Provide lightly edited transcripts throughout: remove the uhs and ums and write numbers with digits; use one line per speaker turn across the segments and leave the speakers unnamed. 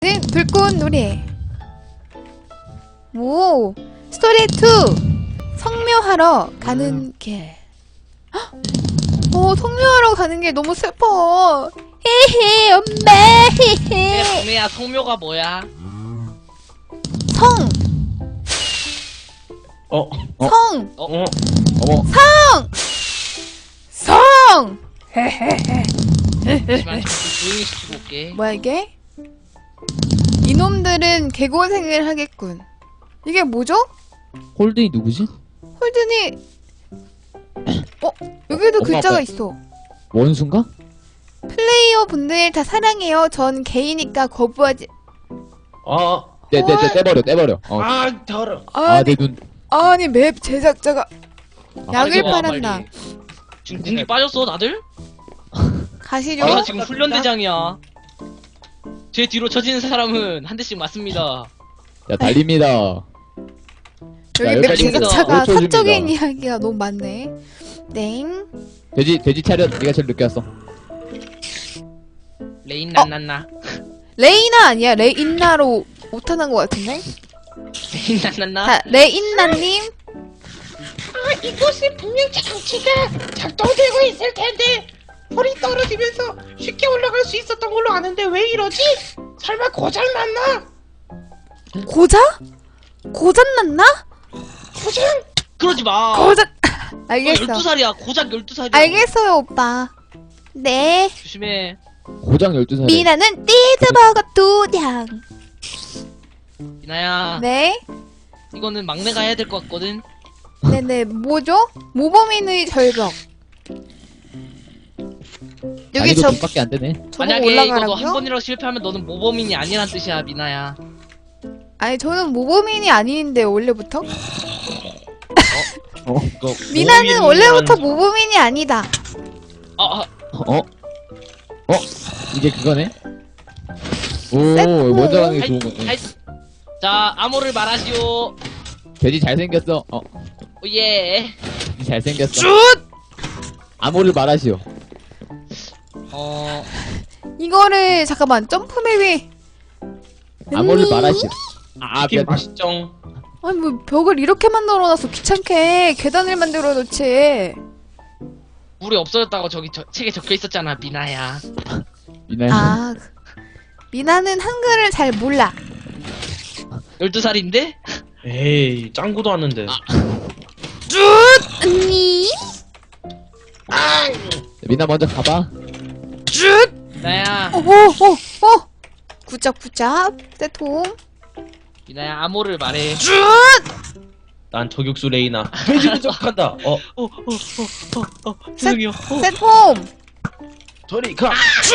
불꽃놀이. 오, 스토리 2. 성묘하러 가는 길. 성묘하러 가는 길 너무 슬퍼. 헤헤, 엄마. 헤헤.
동네야, 성묘가 뭐야?
성. 성.
어머.
성.
잠시만, 조용히 시키고 올게.
뭐야 이게? 이놈들은 개고생을 하겠군. 이게 뭐죠?
홀든이 누구지?
홀든이 여기도
엄마,
글자가
아빠.
있어.
원수인가?
플레이어 분들 다 사랑해요. 전 게이니까 거부하지.
떼버려.
더러.
아니,
내 눈.
아니 맵 제작자가 약을
빨리
팔았나?
빨리. 지금 군기 빠졌어, 다들?
가시죠.
내가 지금 훈련대장이야. 제 뒤로 쳐지는 사람은 한 대씩 맞습니다.
자, 달립니다.
여기 맵
여기까지
제작자가
5초
사적인
줍니다.
이야기가 너무 많네. 땡.
돼지 차렷. 네가 제일 늦게 왔어.
레인 난난나.
레이나 아니야? 레인나로 오타난 것 같은데?
레인 난난나.
자, 레인나님.
이곳은 분명 장치가 작동되고 있을 텐데 홀이 떨어지면서 쉽게 올라갈 수 있었던 걸로 아는데 왜 이러지? 설마 고장 났나?
고장 났나?
고장?
그러지 마.
고장. 알겠어.
12살이야. 고작 12살이야.
알겠어요, 오빠. 네.
조심해.
고장 12살에.
미나는 치즈버거 2장.
미나야.
네.
이거는 막내가 해야 될 것 같거든.
네네. 뭐죠? 모범인의 절벽. 여기
난이도 밖에 안 되네.
저거
만약에 이거 너 한
올라가라고요?
번이라도 실패하면 너는 모범인이 아니란 뜻이야, 미나야.
아니 저는 모범인이 아닌데 원래부터?
이거
미나는 원래부터 모범인이 아니다.
이게 그거네. 오,
세트.
먼저 가는 게 좋은
아이,
거네.
아이. 자, 암호를 말하시오.
돼지 잘생겼어.
오예.
돼지 잘생겼어. 암호를 말하시오.
이거를 잠깐만 점프맵이
암호를 말하시오.
치킨
미안.
맛있정.
아니 뭐 벽을 이렇게 만들어놨어. 귀찮게 계단을 만들어 놓지.
물이 없어졌다고 저기 책에 적혀 있었잖아, 미나야.
미나야.
아 미나는 한글을 잘 몰라.
12살인데?
에이 짱구도 왔는데.
언니
미나 먼저 가봐.
미나야.
굿잡 세톰.
미나야, 암호를 말해.
난 저격수 레이나. 돼지 부족한다.
죄송해요.
세톰.
저리 가.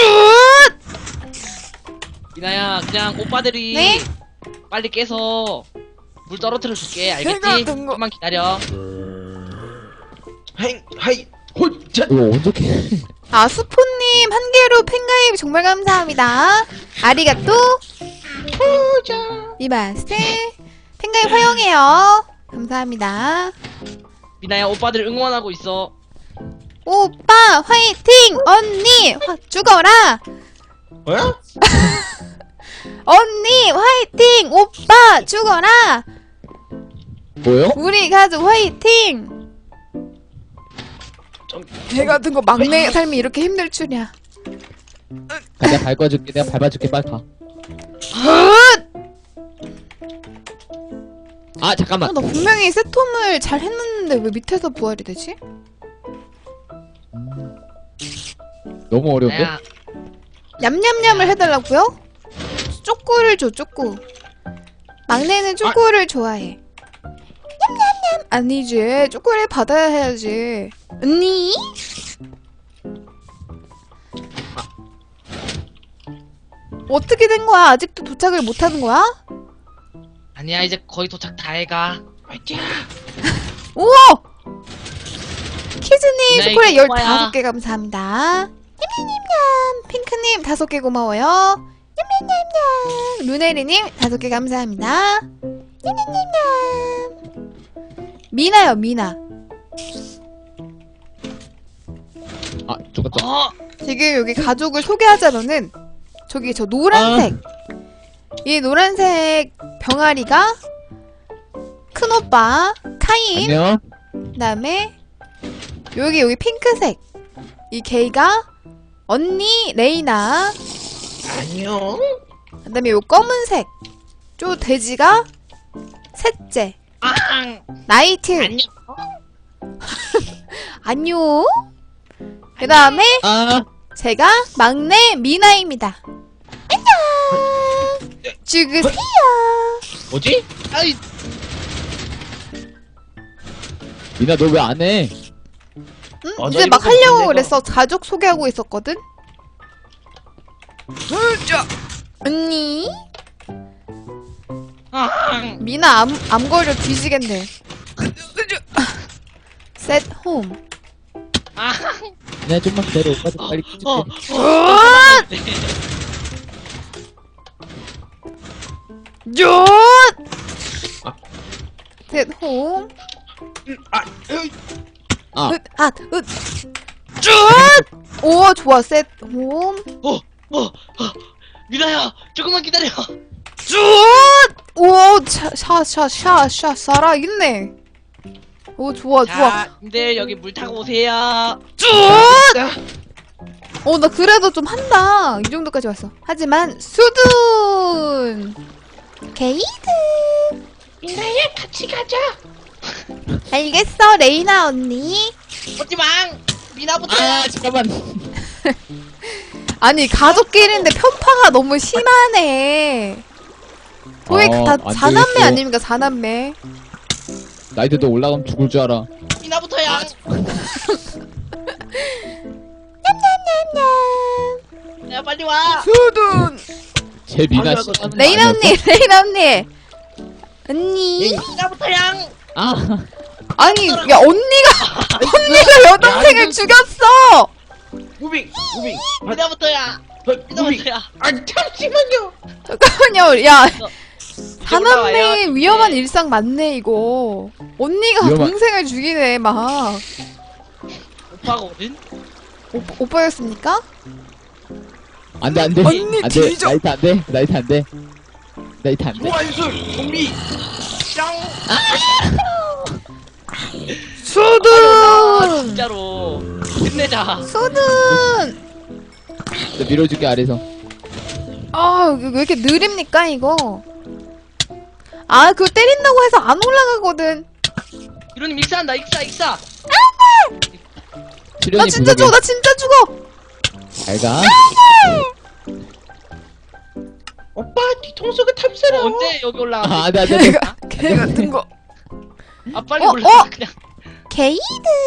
미나야, 그냥 오빠들이
네?
빨리 깨서 물 떨어뜨려 줄게.
제가
알겠지?
든 거-
조금만 기다려.
하이 홀자.
이거 언제 캐?
아수포님 한 개로 팬가입 정말 감사합니다. 아리가또 이마스 팬가입 허용해요. 감사합니다.
미나야, 오빠들 응원하고 있어.
오빠 화이팅! 언니 죽어라!
뭐야?
언니 화이팅! 오빠 죽어라!
뭐요?
우리 가족 화이팅! 개 같은 거 막내 삶이 이렇게 힘들 줄이야.
가자, 밟아줄게. 내가 밟아줄게. 빨리 가. 잠깐만.
나 분명히 세톰을 잘 했는데 왜 밑에서 부활이 되지?
너무 어려운데?
미나야,
냠냠냠을 해달라고요? 쪼꼬를 줘, 쪼꼬. 막내는 쪼꼬를 좋아해. 냠냠냠! 아니지, 쪼꼬를 받아야 해야지. 언니? 어떻게 된 거야? 아직도 도착을 못 하는 거야?
아니야, 이제 거의 도착 다 해가.
화이팅.
우와! 키즈님
나
초콜릿
이거 뭐야?
15개 감사합니다. 냠냠냠냠! 핑크님 5개 고마워요. 냠냠냠냠! 루네리님 5개 감사합니다. 냠냠냠냠! 미나요, 미나.
죽었다.
어!
지금 여기 가족을 소개하자면은 저기 저 노란색 이 노란색 병아리가 큰오빠 카인.
안녕.
그다음에 여기 핑크색 이 개가 언니 레이나.
안녕.
그다음에 요 검은색 저 돼지가 셋째
앙.
나이트.
안녕.
안녕. 그다음에
아,
제가 막내 미나입니다. 안녕. 죽으세요.
뭐지?
아이,
미나 너 왜 안 해?
응?
너
이제 막
이거
하려고
내가-
그랬어. 가족 소개하고 있었거든. 언니
아,
미나 암 걸려 뒤지겠네. 셋 홈.
아,
미나 좀만 기다려. 오빠도 빨리
어,
켜줄게.
셋 홈.
아,
아,
오 좋아 셋 홈.
미나야, 조금만 기다려.
오샤샤샤샤 살아있네. 오 좋아 좋아.
자, 근데 여기 물 타고 오세요.
나 그래도 좀 한다. 이 정도까지 왔어. 하지만 수둔 게이드.
미나야 같이 가자.
알겠어 레이나 언니.
오지망, 미나부터.
아, 잠깐만.
아니 가족끼리인데 편파가 너무 심하네. 거의 다
안
사남매
되겠어.
아닙니까 사남매.
나이트 너 올라가면 죽을 줄 알아.
미나부터야. 야, 빨리 와.
수둔.
제 미나
아니야,
싫어하는 거
레이나
아니었어?
언니 레이나 언니. 언니.
미나부터야.
아,
아니 야 언니가 여동생을 죽였어.
무빙.
미나부터야.
무빙.
미나부터야.
아 잠시만요.
잠깐만요. 야
이제
사남매
올라와요.
위험한 일상 맞네 이거. 언니가
위험한-
동생을 죽이네 막.
오빠거든.
오빠였습니까?
안 돼, 안 돼.
언니
안 돼.
뒤져.
나이트 안 돼. 나이트 안 돼. 나이트 안 돼.
소환술 좀비.
수둔.
진짜로. 끝내자.
수둔.
나 밀어줄게, 아래서.
왜 이렇게 느립니까 이거? 그거 때린다고 해서 안 올라가거든.
이론님 익사한다. 익사.
출연이
나 진짜
부족해.
죽어. 나 진짜 죽어.
잘 가.
오빠 뒤통수가 탐스러워.
언제 여기 올라가?
아, 안 돼, 안 돼, 안 돼.
개 같은 거.
아, 빨리
어,
올라가.
어?
그냥.
게이드.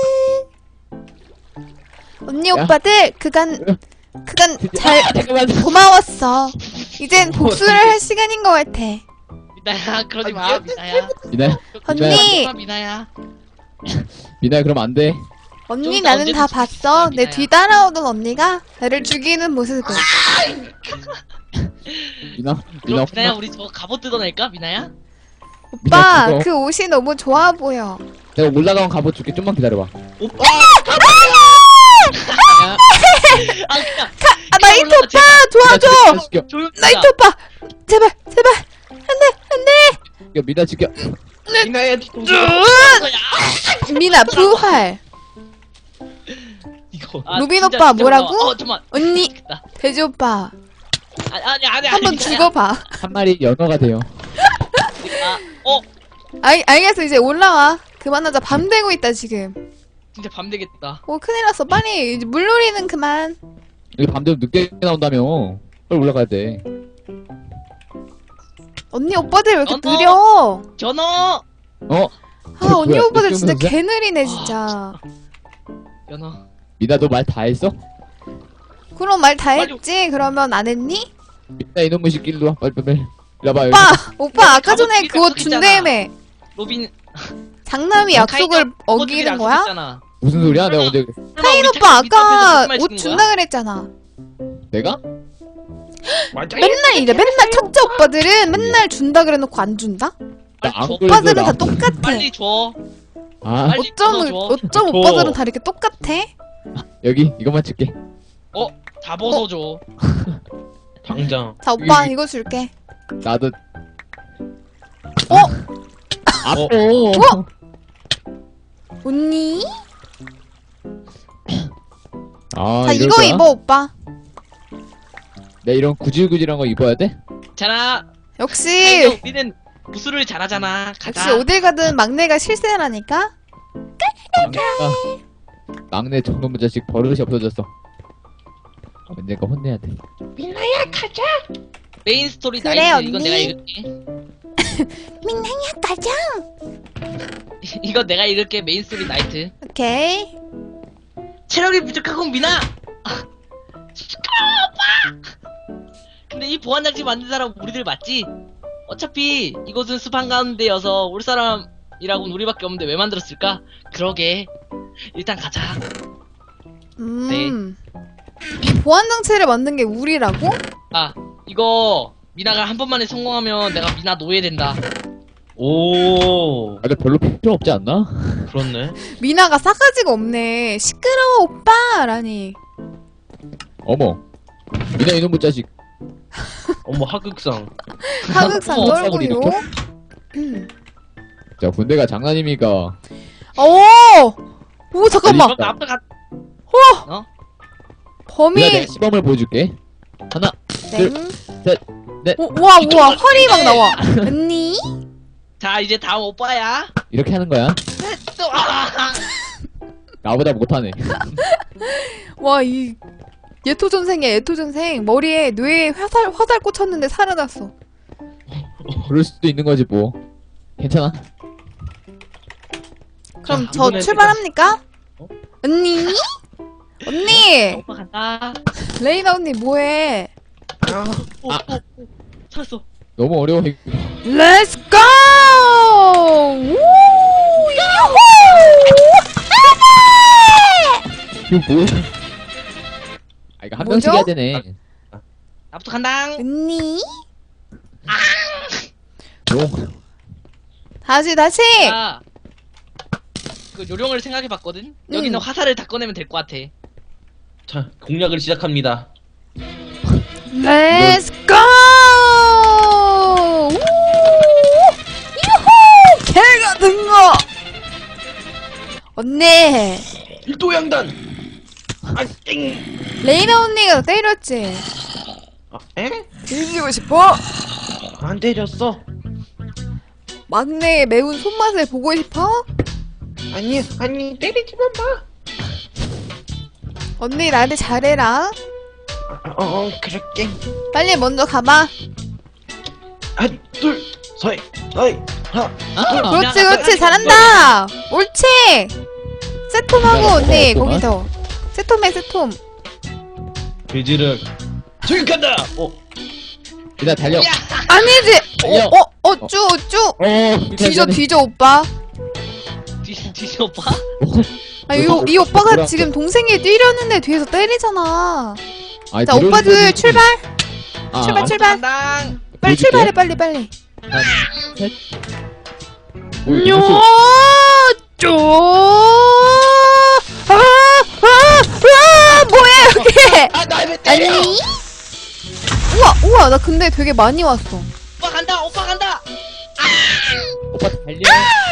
언니
야.
오빠들 그간 잘
잠깐만.
고마웠어. 이젠 복수를 할 시간인 것 같아.
미나야, 그러지 마. 미나야.
미나야,
언니,
미나야.
미나야, 그럼 안 돼.
언니
좀 이따
나는
언제든
다
죽일 수
봤어.
있어요,
내
미나야.
뒤 따라오던 언니가 나를 죽이는 모습을.
미나,
그럼
미나.
미나야, 우리 저거 갑옷 뜯어낼까? 미나야?
오빠
미나,
그 옷이 너무 좋아 보여.
내가 올라가면 갑옷 줄게. 좀만 기다려봐.
오빠!
야,
아, 그냥.
나이트
올라가,
오빠 도와줘.
죽여.
조용.
나이트 오빠 제발 안돼.
미나 죽여.
미나야 뒤통수.
미나 부활.
이거.
루빈
진짜,
오빠
진짜
뭐라고?
올라와. 잠깐만.
언니
됐다.
돼지 오빠
아니.
한번
미나야.
죽어봐.
한 마리 연어가 돼요.
알겠어 이제 올라와. 그만하자. 밤 되고 있다 지금.
진짜 밤 되겠다.
큰일 났어. 빨리 이제 물놀이는 그만.
여기 밤되면 늦게 나온다며. 빨리 올라가야 돼.
언니 오빠들 왜 이렇게
언어.
느려?
연어!
언니
뭐야,
오빠들
늦게
진짜
오는 거야?
개 느리네 진짜.
연어.
미나 너 말 다 했어?
그럼 말 다
빨리-
했지? 그러면 안 했니?
미나 이놈의 새끼 일로 와. 빨리. 일로 와봐.
오빠 아까
갑옷
전에
끼니까
그거
거기 있잖아.
준대며.
로빈.
장남이 약속을 어기는 거야?
무슨 소리야? 내가 언제
카인 오빠 아까 옷 준다 그랬잖아.
내가?
맞아요.
맨날 이래. 맨날 첫째 오빠들은 맨날 준다 그래놓고 안 준다?
나 안
줘.
그래도
오빠들은 다
나-
똑같아.
빨리 줘.
아,
빨리 끊어줘.
어쩜
줘.
오빠들은 다 이렇게 똑같아?
여기 이것만 줄게.
다 벗어줘.
당장.
자, 오빠 이거 줄게.
나도.
어?
아파.
언니?
아,
자,
이럴
이거
거야?
입어, 오빠.
내 이런 구질구질한 거 입어야 돼?
자나.
역시,
우리는 무술을 잘하잖아.
역시
가자.
어딜 가든 막내가 실세라니까?
막내 정놈의 자식 버릇이 없어졌어. 언젠가 혼내야 돼.
민나야 가자.
메인 스토리
그래,
나이트.
언니.
이건 내가 읽을게.
민나야, 가자!
이거 내가 읽을게. 메인 스토리 나이트.
오케이.
체력이 부족하고 미나. 시끄러워, 오빠. 근데 이 보안장치 만든 사람 우리들 맞지? 어차피 이곳은 숲 한가운데여서 올 사람이라고는 우리밖에 없는데 왜 만들었을까? 그러게. 일단 가자.
이 보안장치를 만든 게 우리라고?
아, 이거 미나가 한 번만에 성공하면 내가 미나 노예 된다.
오,
아, 근데 별로 필요 없지 않나?
그렇네.
미나가 싸가지가 없네. 시끄러워, 오빠라니.
어머. 미나 이놈의 자식.
어머 하극상.
하극상
어머,
싸구려
떨고요.
자, 군대가 장난입니까?
오, 잠깐만.
그럼 앞에 가.
범인.
미나 내가 시범을 보여줄게. 하나,
땡.
셋, 넷.
우와, 허리 막 나와. 언니?
자, 이제 다음 오빠야.
이렇게 하는 거야.
또, 아!
나보다 못하네.
와, 이 예토전생이야, 예토전생. 머리에 뇌에 화살 꽂혔는데 살아났어.
그럴 수도 있는 거지 뭐. 괜찮아.
그럼
자,
저
이번엔
출발합니까?
어?
언니? 언니!
오빠 간다.
레이나 언니 뭐해?
오, 살았어.
너무 어려워. 이거.
렛츠 고! 우! 야호!
이거 뭐야? 아, 이거 한 명씩
뭐죠?
해야 되네.
나부터 간다.
언니?
너.
다시.
자, 그 요령을 생각해봤거든. 여기는 화살을 다 꺼내면 될 것 같아.
자, 공략을 시작합니다.
렛츠 고! 우! 유후! 개 같은 거! 언니!
일도양단. 아, 땡.
레이나 언니가 때렸지?
아, 에?
뒤지고 싶어?
안 때렸어.
막내의 매운 손맛을 보고 싶어?
아니 때리지만 마.
언니 나한테 잘해라.
그럴게.
빨리 먼저 가봐.
한, 둘, 셋, 하나.
그렇지 잘한다. 옳지. 세톰하고 언니
그렇구만.
거기서 세톰해 세톰.
돼지를 저격한다.
미나 달려.
아니지.
달려.
어쭈.
미나
뒤져 오빠.
뒤져 오빠?
아, 이 오빠가 지금 동생이 뛰려는데 뒤에서 때리잖아.
아니,
자
뒤로
오빠들
뒤로
출발.
아,
출발.
간다.
빨리
보여줄게.
출발해 빨리.
하나, 셋. 오, 이거
요,
수-
쪼. 뭐야 여기?
나왜 때려?
아니? 우와 나 근데 되게 많이 왔어.
오빠 간다.
오빠 달려.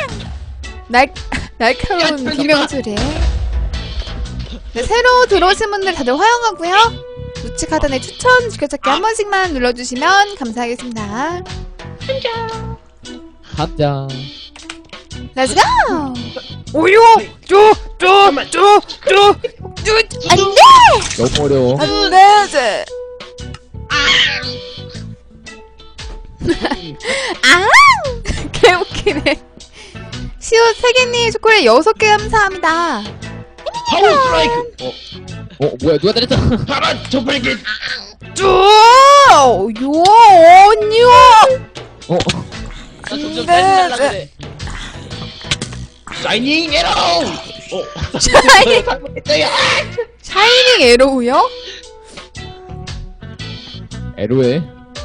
날카로운 비명소리. 네, 새로 들어오신 분들 다들 화영하고요. 우측 하단에 추천 지켜찾기 한 번씩만 눌러주시면 감사하겠습니다.
감자.
Let's go! 오요! 안돼!
너무 어려워.
안돼! 아! 개웃기네. 시옷 3개님 초콜릿 6개 감사합니다.
파워 스트라이크.
뭐야, 누가 때렸어?
파란 저팔계.
요! 언니요!
나 점점
네,
짜증날라 그래.
샤이닝 에러.
샤이닝,
잘못했어요.
샤이닝 에로우요?
에로에.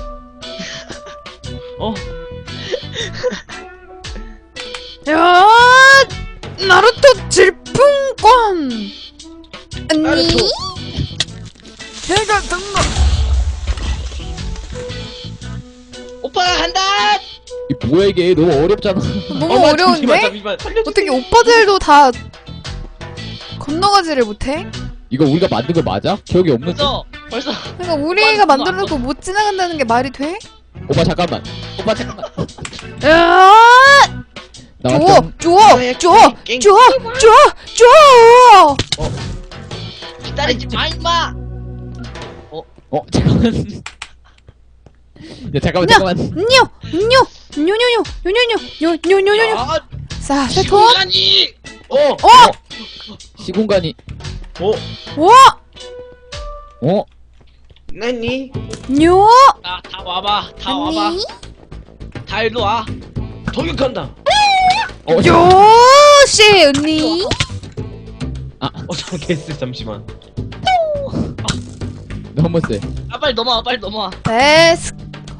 야! 나루토 질풍권! 언니?
나루토.
제가 등록!
오빠가 간다.
이 뭐야 이게 너무 어렵잖아.
너무 어려운데? 어떻게 오빠들도 다 건너가지를 못해?
이거 우리가 만든 거 맞아? 기억이 없는데.
벌써
그러니까 우리가 만들어놓고 못 지나간다는 게 말이 돼?
오빠 잠깐만. 오빠 잠깐만.
야!
나왔죠?
줘!
기다리지 마 임마.
잠깐만. 야 잠깐만 잠깐만.
뇨뇨뇨뇨뇨뇨뇨뇨뇨뇨뇨뇨뇨
아,
자, 세톤
시간이.
시공간이.
와!
나니?
뇨!
다 와봐. 다 와봐. 다 일로 와.
돌격한다.
요시 언니
잠깐 개쎄 잠시만.
너무 세.
빨리 넘어와. 빨리 넘어와.
데스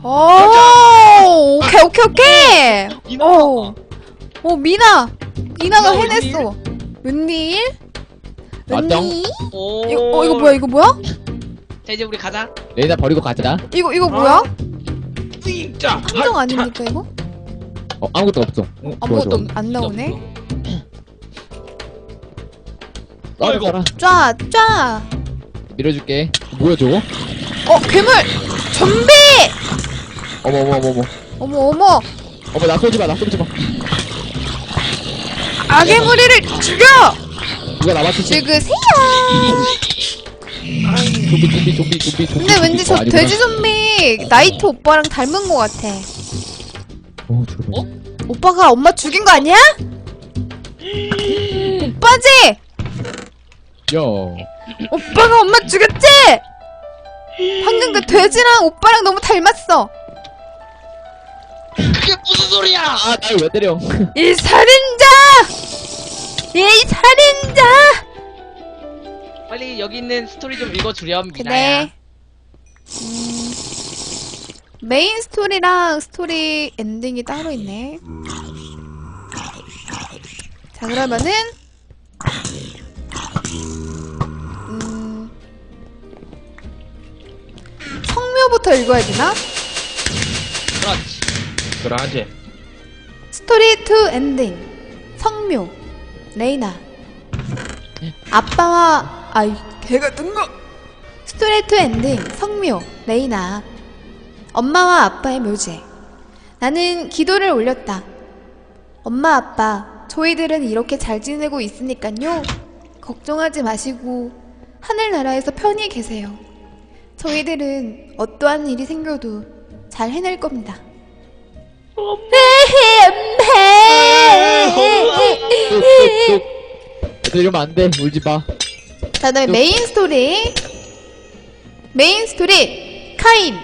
오 오케이
이나.
오 미나가
미나
해냈어 웬일?
맞짱.
웬일?
오.
이거 뭐야?
자 이제 우리 가자.
레이나 버리고 가자.
이거 뭐야?
진짜.
함정 아닙니까 이거?
아무것도 없어. 좋아,
아무것도
좋아.
안 나오네
아이고.
따라
쫙
밀어줄게. 뭐야 저거?
괴물 좀비
어머
어머
나 쏘지 마.
악의 무리를 죽여
누가 남았지?
죽으세요
좀비.
근데 왠지 저
아니구나.
돼지 좀비 나이트 오빠랑 닮은 것 같아
저거.
오빠가 엄마 죽인 거 아니야? 오빠지?
야.
오빠가 엄마 죽였지? 방금 그 돼지랑 오빠랑 너무 닮았어
그게 무슨 소리야?
날 왜 때려?
이 살인자! 이 살인자!
빨리 여기 있는 스토리 좀 읽어주렴 미나야.
그래 메인 스토리랑 스토리 엔딩이 따로 있네 자 그러면은 성묘부터 읽어야 되나?
그렇지.
그러지.
스토리 2 엔딩 성묘 레이나 아빠와 아이 개가 뜬거 스토리 2 엔딩 성묘 레이나 엄마와 아빠의 묘제 나는 기도를 올렸다 엄마 아빠 저희들은 이렇게 잘 지내고 있으니깐요 걱정하지 마시고 하늘나라에서 편히 계세요 저희들은 어떠한 일이 생겨도 잘 해낼 겁니다
이러면 안 돼. 울지 마.
자, 그다음에 메인 스토리 카인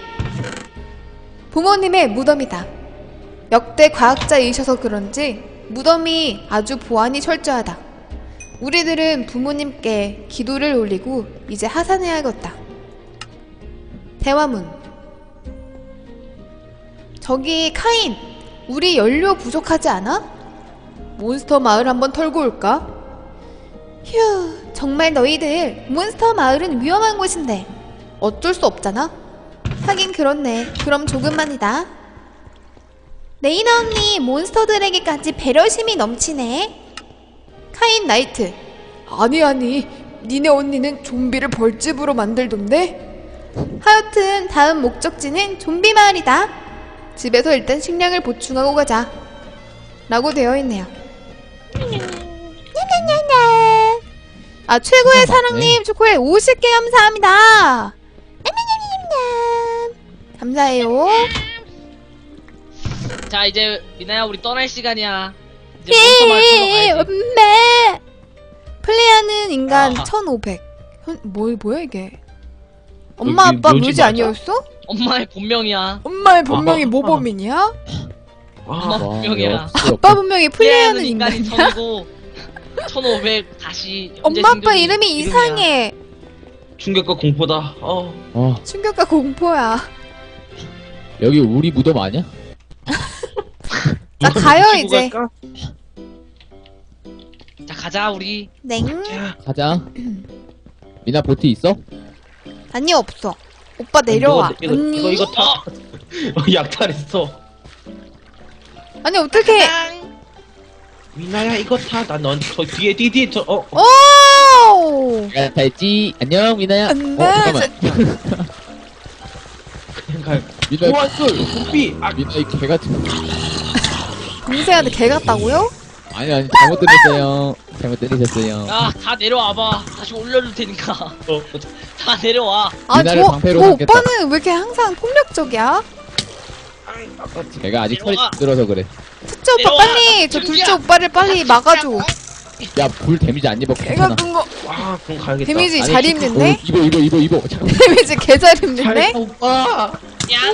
부모님의 무덤이다. 역대 과학자이셔서 그런지 무덤이 아주 보안이 철저하다. 우리들은 부모님께 기도를 올리고 이제 하산해야겠다. 대화문 저기 카인 우리 연료 부족하지 않아? 몬스터 마을 한번 털고 올까? 휴 정말 너희들 몬스터 마을은 위험한 곳인데 어쩔 수 없잖아? 하긴 그렇네. 그럼 조금만이다. 레이나 언니 몬스터들에게까지 배려심이 넘치네. 카인 나이트 아니 니네 언니는 좀비를 벌집으로 만들던데? 하여튼 다음 목적지는 좀비 마을이다. 집에서 일단 식량을 보충하고 가자 라고 되어있네요. 아 최고의 사랑님 초콜릿 50개 감사합니다. 감사해요.
자 이제 미나야 우리 떠날 시간이야. 이제 몬스터 마을 털러 가야지.
엄마 플레이하는 인간
아.
1500 뭐야 이게 엄마
여기
아빠
묘지
묘지
맞아?
아니었어?
엄마의 본명이야.
엄마의 본명이
아.
모범인이야?
엄마
와,
본명이야.
역시
아빠 본명이 플레이하는
인간이
인간이야?
천이고 1500 다시
엄마 아빠 이름이 이상해.
충격과 공포다.
충격과 공포야.
여기 우리 무덤 아니야?
자 가요 이제.
자 가자 우리.
냉.
가자. 미나 보트 있어?
아니 없어. 오빠 내려와.
이거
언니.
이거 타. 약탈했어.
아니 어떻게?
미나야 이거 타. 난 저 뒤에 저
오.
내가 다 했지. 안녕 미나야.
안 돼.
잠깐만.
그냥 가.
미나
소환술 도피.
미나 이 개 같은.
동생한테 개 같다고요?
아니 잘못 들었어요. 잘못 들으셨어요.
야, 다 내려와봐. 다시 올려줄 테니까. 다 내려와.
아,
미나를 방패로
저
삼겠다.
오빠는 왜 이렇게 항상 폭력적이야?
제가 아직 털이
내려와.
들어서 그래.
첫째 오빠
내려와.
빨리 저 둘째
준비야.
오빠를 빨리 막아줘.
야 불 데미지 안 입어.
개
괜찮아.
같은 거.
아 그럼 가야겠다.
데미지
아니,
잘 입는데?
입어. 잠깐만.
데미지 개 잘 입는데?
잘 오빠.
양.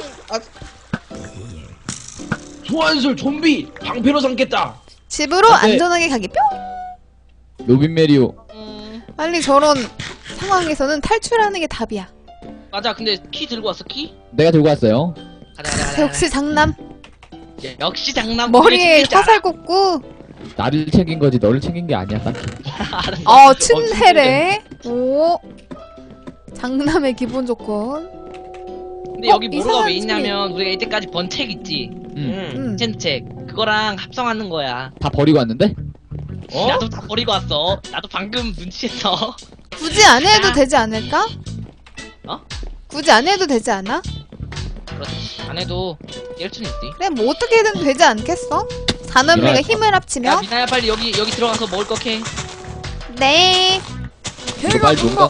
소환술 좀비 방패로 삼겠다.
집으로
안 돼.
안전하게 가기 뿅.
로빈 메리오.
빨리 저런 상황에서는 탈출하는 게 답이야.
맞아. 근데 키 들고 왔어, 키?
내가 들고 왔어요.
가자.
역시 장남.
역시 장남.
머리에
우리 챙기자.
화살 꽂고.
나를 챙긴 거지 너를 챙긴 게 아니야 딱히.
알았어.
춘해래. 오. 장남의 기본 조건.
근데 여기 뭐가
이상한
왜 있냐면 우리가 이때까지 번 책 있지.
음.
책 그거랑 합성하는 거야.
다 버리고 왔는데?
어?
나도 다 버리고 왔어. 나도 방금 눈치챘어.
굳이 안 해도
아.
되지 않을까?
어?
굳이 안 해도 되지 않아?
그렇지. 안 해도 일순 있지.
그래 뭐 어떻게든 되지 않겠어? 사남매가
그래.
힘을
야
합치면?
미나야 빨리 여기 들어가서 먹을 거 캐.
네.
이거 빨리 농가.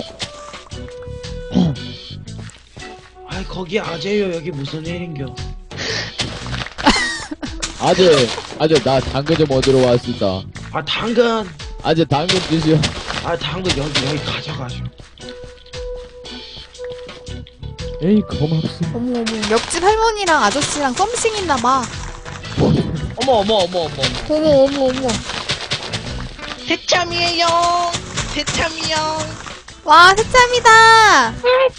아이 거기 아재요. 여기 무슨 일인겨?
아재 나 당근 좀 얻으러 왔습니다.
아 당근.
아재 당근 주시오.
아 당근 여기 가져가죠.
에이 고맙소.
어머 옆집 할머니랑 아저씨랑 썸씽 있나봐.
어머.
어머.
새참이에요. 새참이요.
와 새참이다.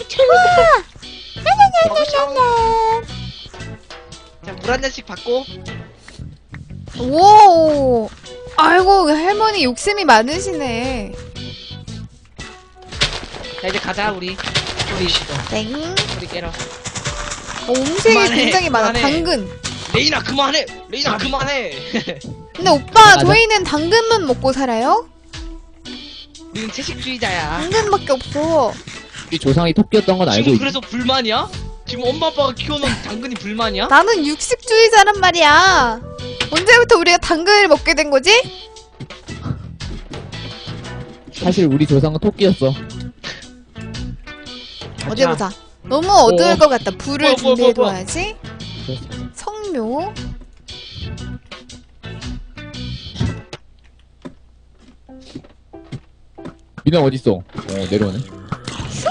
자, 물 한 잔씩 받고.
오. 아이고 할머니 욕심이 많으시네.
자, 이제 가자 우리.
땡.
우리 깨러.
음식이
그만해,
굉장히 많아.
그만해.
당근.
레이나 그만해. 레이나 그만해.
근데 오빠
맞아.
저희는 당근만 먹고 살아요?
우리는 채식주의자야.
당근밖에 없어.
우리 조상이 토끼였던 건 알고
지금
있지.
그래서 불만이야? 지금 엄마 아빠가 키워놓은 당근이 불만이야?
나는 육식주의자란 말이야. 언제부터 우리가 당근을 먹게 된 거지?
사실 우리 조상은 토끼였어.
어디 보자. 너무 어두울 것 같다. 불을
뭐야.
준비해둬야지. 성묘.
민아 어딨어? 내려오네.
휴.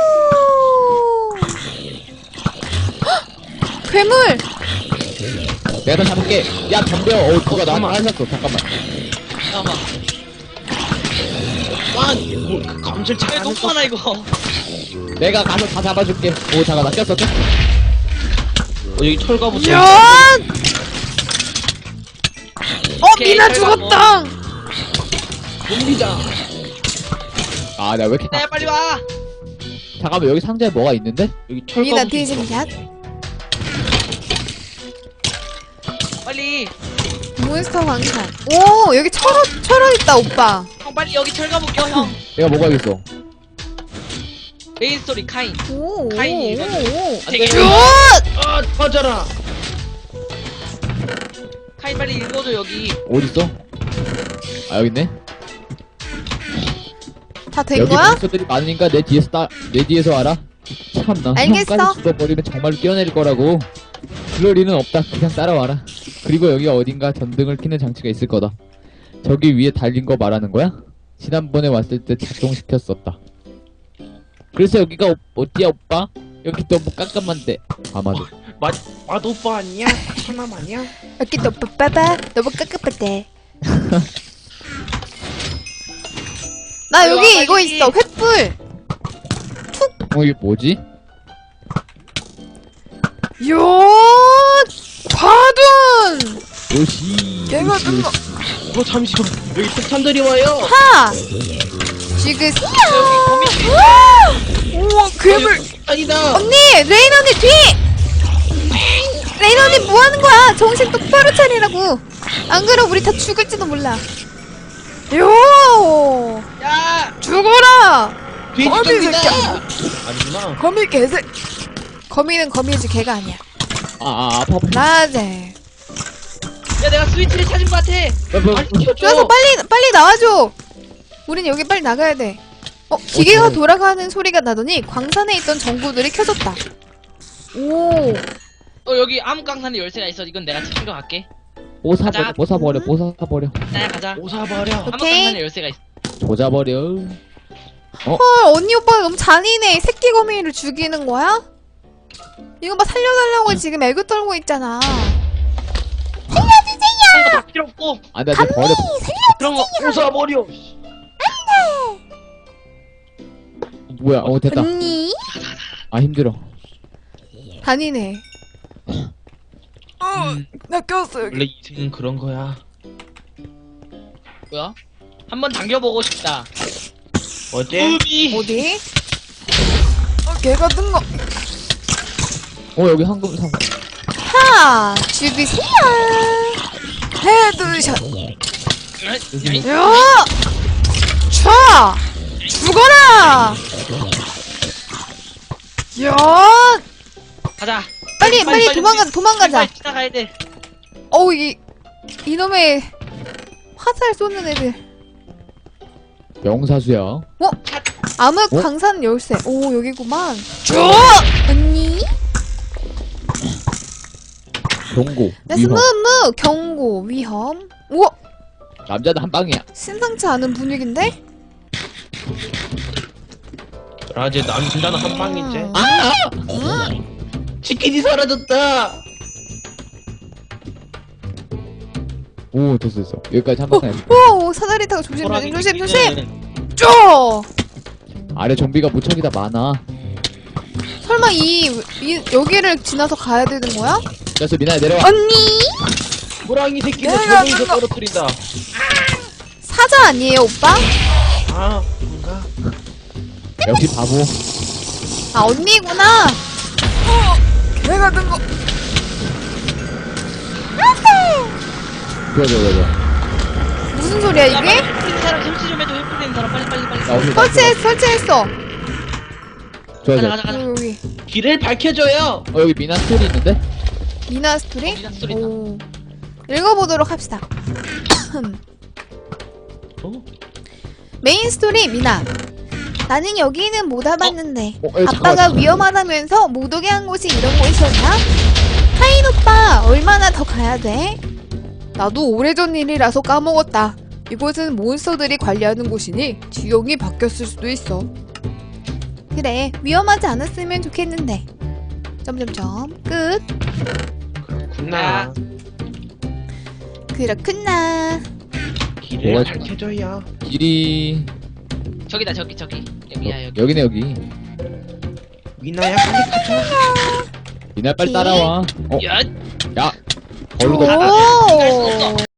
헉! 괴물.
내가 다 잡을게. 야 덤벼. 누가 나한테 하셨어. 잠깐만.
잠깐만.
뭐 감질
왜
잘하는
너무 많아 이거.
내가 가서 다 잡아줄게. 오 잠깐 나 꼈어.
여기 철가부터.
야!
오케이,
미나
잘 가고.
죽었다.
좀비다.
아 나 왜 이렇게
나야 빨리 와.
잠깐만 여기 상자에 뭐가 있는데?
여기
미나
철가부터.
뒤짐샷.
빨리.
몬스터 광산. 오 여기 철원 있다 오빠.
형 빨리 여기 철가목 껴 형.
내가 뭐가 있어?
메인 스토리 카인.
오.
카인이 이거 되게
굿.
아 터져라.
카인 빨리 읽어줘 여기.
어딨어? 아 여기 있네.
다 된
여기
거야?
몬스터들이 많으니까 내 뒤에서 알아. 참나.
알겠어.
형까지 죽어버리면 정말로 뛰어내릴 거라고. 그럴 리는 없다. 그냥 따라와라. 그리고 여기 어딘가 전등을 켜는 장치가 있을 거다. 저기 위에 달린 거 말하는 거야? 지난번에 왔을 때 작동시켰었다. 그래서 여기가 어디야 오빠? 여기 너무 깜깜한데. 아마도.
맛 오빠 아니야? 천남 아니야?
여기 또 빠빠바 너무 깝깝한데. 나
빨리 와,
여기 이거
빨리.
있어 횃불.
이게 뭐지?
요 과둔.
요시.
얘가 뜬거.
잠시만. 여기 폭탄들이 와요.
하. 지금
여기 거미줄 있어.
우와 괴물.
아니다.
언니! 레인 언니 뒤! 레인 언니 뭐 하는 거야? 정신 똑바로 차리라고. 안 그럼 우리 다 죽을지도 몰라. 요!
야!
죽어라!
돼지
거미
좀비다.
새끼야.
아니구나.
거미 개새. 거미는 거미지 개가 아니야.
아파.
나제.
야, 내가 스위치를 찾은 것 같아.
빨리 켜줘.
좋아서 빨리 나와줘. 우린 여기 빨리 나가야 돼. 기계가 돌아가는 소리가 나더니 광산에 있던 전구들이 켜졌다. 오.
여기 암흑강산에 열쇠가 있어. 이건 내가 챙겨갈게.
뽀사버려, 뽀사버려, 뽀사버려.
나야 가자.
오사버려.
암흑강산에 열쇠가 있어.
조자버려.
헐, 언니 오빠가 너무 잔인해. 새끼 거미를 죽이는 거야? 이거 봐, 살려달라고 지금 애교 떨고 있잖아.
그런 거 다 필요 없고
안 돼, 안 돼, 버려.
그런 거
오사버려.
뭐야, 됐다.
언니?
아, 힘들어.
잔인해. 나 꼈어, 여기.
원래 인생은 그런 거야.
뭐야? 한번 당겨보고 싶다.
어제
우비.
어디? 걔가 뜬 거.
여기 황금 상.
하! 죽이세요! 헤드샷. 야! 차! 죽어라! 야!
가자.
빨리 도망가자.
빨리 지나가야 돼.
이놈의 화살 쏘는 애들.
명사수야.
암흑
어?
광산 열쇠. 오, 여기구만. 언니?
경고.
나스
위험.
무무 경고 위험. 우와,
남자는 한 방이야.
심상치 않은 분위기인데?
라제 남자는 한 방이지.
아!
치킨이 사라졌다.
오, 됐어. 여기까지 한 방 가야 돼.
오, 사다리 타고 조심. 쪼!
아래 좀비가 무척이다 많아.
설마 여기를 지나서 가야 되는 거야?
그래서 미나야 내려와.
언니?
호랑이 새끼를
내가
저기서
뜬다.
떨어뜨린다.
사자 아니에요, 오빠?
아, 뭔가.
역시 바보.
아, 언니구나. 걔가 든 거.
좋아.
무슨 소리야,
야,
이게?
빨리 헬프된 사람 설치 좀 해줘. 헬프된 사람 빨리.
나 오늘
설치했어.
좋아.
가자.
여기.
길을 밝혀줘요.
여기 미나 스토리 있는데?
미나 스토리?
미나 스토리다.
오. 읽어보도록 합시다.
어?
메인 스토리 미나. 나는 여기는 못 와봤는데
잠깐만,
아빠가
잠깐만.
위험하다면서 못 오게 한 곳이 이런 곳이었나? 하인 오빠 얼마나 더 가야 돼? 나도 오래전 일이라서 까먹었다. 이곳은 몬스터들이 관리하는 곳이니 지형이 바뀌었을 수도 있어. 그래, 위험하지 않았으면 좋겠는데. 점점점 끝.
그렇구나.
그렇구나.
길을
뭐가
밝혀줘요.
길이
저기다 저기. 여기야 여기.
여기네 여기.
미나야 빨리 가자.
미나 빨리
오케이.
따라와.
야.
야. 걸로
오.
갈 수 없어.